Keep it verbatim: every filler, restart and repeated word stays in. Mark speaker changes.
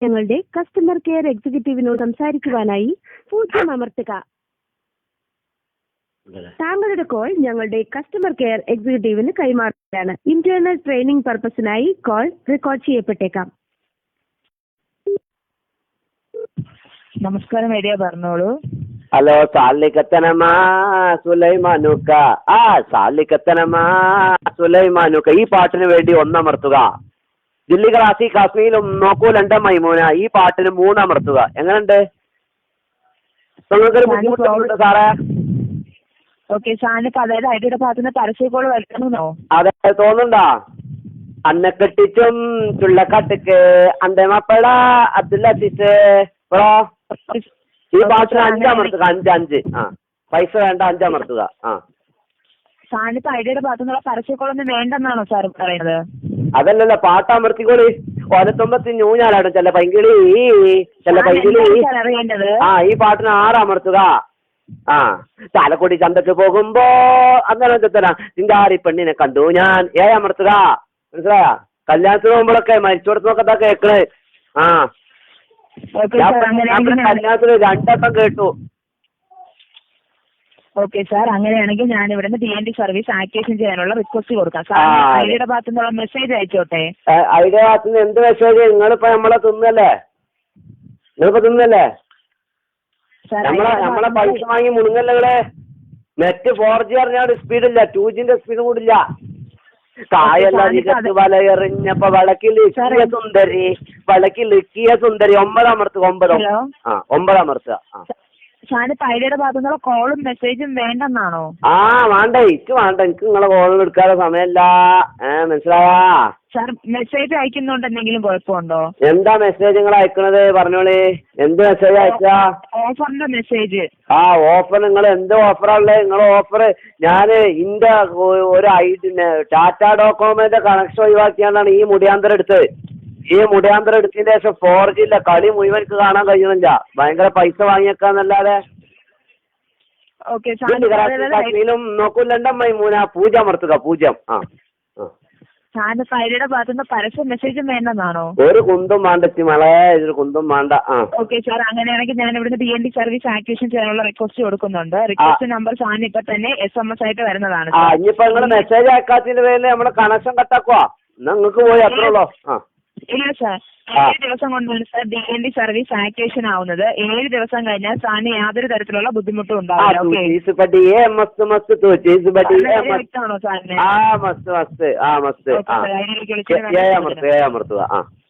Speaker 1: ഞങ്ങളുടെ customer care എക്സിക്യൂട്ടീവിനോട് സംസാരിക്കുവാനായി പൂജ്യം അമർത്തുക. താങ്കളുടെ കോൾ ഞങ്ങളുടെ കസ്റ്റമർ കെയർ എക്സിക്യൂട്ടീവിന് കൈമാറുകയാണ്. ഇന്റേണൽ ട്രെയിനിംഗ് പർപ്പസിനായി കോൾ റെക്കോർഡ് ചെയ്യപ്പെട്ടേക്കാം.
Speaker 2: നമസ്കാരം, ഐഡിയ പറഞ്ഞോളൂ.
Speaker 3: ഹലോ, സാലിക്കത്തനമാ സുലൈമാനുക്ക. ആ സാലിക്കത്തനമാ സുലൈമാനുക്ക, ഈ പാട്ടിന് വേണ്ടി ഒന്നമർത്തുക. ദില്ലി ക്ലാസി കാശ്മീരും നോക്കൂലണ്ട മൈമൂന, ഈ പാട്ടിന് മൂന്നമർത്തുക. എങ്ങനെയുണ്ട്? നിങ്ങൾക്കൊരു ബുദ്ധിമുട്ടുണ്ട് സാറേ?
Speaker 2: ഓക്കെ, സാറിന് അതായത് ഐഡിയുടെ ഭാഗത്തുനിന്ന് പരസ്യക്കോള് വരണോ?
Speaker 3: അതെ, തോന്നുന്നുണ്ടാ? അന്നെ കെട്ടിച്ചും ചുള്ളക്കാട്ടുക്ക് അന്റെ മപ്പട അബ്ദുല്ലീസ് ബ്രോ, ഈ പാട്ടിന് അഞ്ചമർത്തുക. അഞ്ച് അഞ്ച് ആ പൈസ വേണ്ട, അഞ്ചമർത്തുക. ആ
Speaker 2: സാറിന് ഐഡിയുടെ ഭാഗത്തുനിന്നുള്ള പരസ്യക്കോളൊന്നും വേണ്ടെന്നാണോ സാർ പറയുന്നത്?
Speaker 3: അതല്ലല്ലോ, പാട്ടമർത്തിക്കോളി. ഒലത്തൊമ്പത്തി ഞൂഞ്ഞാലാണ് ചില പൈങ്കിളി ചില പൈങ്കിളി. ആ ഈ പാട്ടിന് ആറമർത്തുക. ആ ചാലക്കുടി ചന്തക്ക് പോകുമ്പോ അങ്ങനെ തരാം. ചിങ്കാരി പെണ്ണിനെ കണ്ടു ഞാൻ, ഏഴമർത്തുക. മനസ്സിലായ? കല്യാണത്തിന് പോകുമ്പോഴൊക്കെ മരിച്ചോടത്തൊക്കെ കേക്കണ്. ആ കല്യാണത്തിന് രണ്ടട്ടം കേട്ടു.
Speaker 2: ഓക്കെ സാർ, അങ്ങനെയാണെങ്കിൽ ഞാൻ ഇവിടുന്ന് D N D service activation ചെയ്യാനുള്ള റിക്വസ്റ്റ് കൊടുക്കാം. സാർ ഐഡിയുടെ ഭാഗത്തുനിന്നുള്ള മെസ്സേജ് അയച്ചോട്ടെ.
Speaker 3: ഐഡിയുടെ ഭാഗത്തുനിന്ന് എന്ത് മെസ്സേജ്? നിങ്ങളിപ്പോ നമ്മളെ തിന്നല്ലേ? നിങ്ങളിപ്പോ തിന്നല്ലേ? നമ്മളെ നമ്മളെ പൈസ വാങ്ങി മുണുങ്ങല്ലേ? നെറ്റ് ഫോർ ജി അറിഞ്ഞാൽ സ്പീഡില്ല, ടു ജിന്റെ സ്പീഡും കൂടില്ല. കായല്ല വലയെറിഞ്ഞപ്പോ വളക്കിൽ ഇക്കിയ സുന്ദരി, വളക്കിൽ ഇക്കിയ സുന്ദരി. ഒമ്പതാമർത്തുക. ഒമ്പതോ ആ ഒമ്പതാമർത്തുക. ആ
Speaker 2: സാറിന് ഐഡിയുടെ ഭാഗത്തുനിന്നുള്ള കോളും മെസ്സേജും വേണ്ടെന്നാണോ?
Speaker 3: ആ വേണ്ട, എനിക്ക് വേണ്ട. എനിക്ക് നിങ്ങളെ കോളും എടുക്കാതെ സമയമല്ല. ഏഹ് മനസ്സിലായാ?
Speaker 2: സാർ മെസ്സേജ് അയക്കുന്നുണ്ട് എന്തെങ്കിലും കുഴപ്പമുണ്ടോ?
Speaker 3: എന്താ മെസ്സേജ് നിങ്ങൾ അയക്കണത്? പറഞ്ഞോളി, എന്ത് മെസ്സേജ് അയച്ചാ?
Speaker 2: ഓഫറിന്റെ മെസ്സേജ്. ആ
Speaker 3: ഓഫർ. നിങ്ങൾ എന്ത് ഓഫറാണുള്ളത്? നിങ്ങളെ ഓഫർ ഞാന് ഇന്റെ ഒരു ഐഡി ടാറ്റ ഡോകോമോന്റെ കണക്ഷൻ ഒഴിവാക്കിയാണ്ടാണ് ഈ മുടിയാന്തരം എടുത്തത്. ഈ മുടിയാന്തരം എടുത്തതിന് ശേഷം ഫോർ ജി ഇല്ല, കളി മുഴുവൻക്ക് കാണാൻ കഴിയണില്ല. ഭയങ്കര പൈസ വാങ്ങിയേക്കാന്നല്ലാതെ. കാശ്മീരും നോക്കൂലണ്ട മൈമൂന, പൂജ്യം അമർത്തുക. പൂജ്യം. ആ
Speaker 2: സാറിന് ഐഡിയുടെ ഭാഗത്തുനിന്ന് പരസ്യ മെസ്സേജും വേണ്ടെന്നാണോ?
Speaker 3: ഒരു കുന്തും വേണ്ട മളെ, ഇതൊരു കുന്തും വേണ്ട. ആ
Speaker 2: ഓക്കെ സാർ, അങ്ങനെയാണെങ്കിൽ ഞാൻ ഇവിടുന്ന് D N D service activation ചെയ്യാനുള്ള റിക്വസ്റ്റ് കൊടുക്കുന്നുണ്ട്. റിക്വസ്റ്റ് നമ്പർ സാറിന് ഇപ്പൊ തന്നെ എസ് എം എസ് ആയിട്ട് വരുന്നതാണ്.
Speaker 3: ആ ഇനിയിപ്പോ നിങ്ങള് മെസ്സേജ് അയക്കാത്തതിന്റെ പേരിൽ നമ്മളെ കണക്ഷൻ കട്ടാക്കുവാ. എന്നാ നിങ്ങൾക്ക് പോയി അത്രേ ഉള്ളൂ. ആ
Speaker 2: ഇല്ല സാർ, ഏഴ് ദിവസം കൊണ്ടാണ് sir D N D service activation ആവുന്നത്. ഏഴ് ദിവസം കഴിഞ്ഞാൽ സാറിന് യാതൊരു തരത്തിലുള്ള ബുദ്ധിമുട്ടും ഉണ്ടാവില്ല.
Speaker 3: ആ മസ്ത് മസ്ത് ആ മസ്ത് ആ ഏഴമർത്തുക. ആ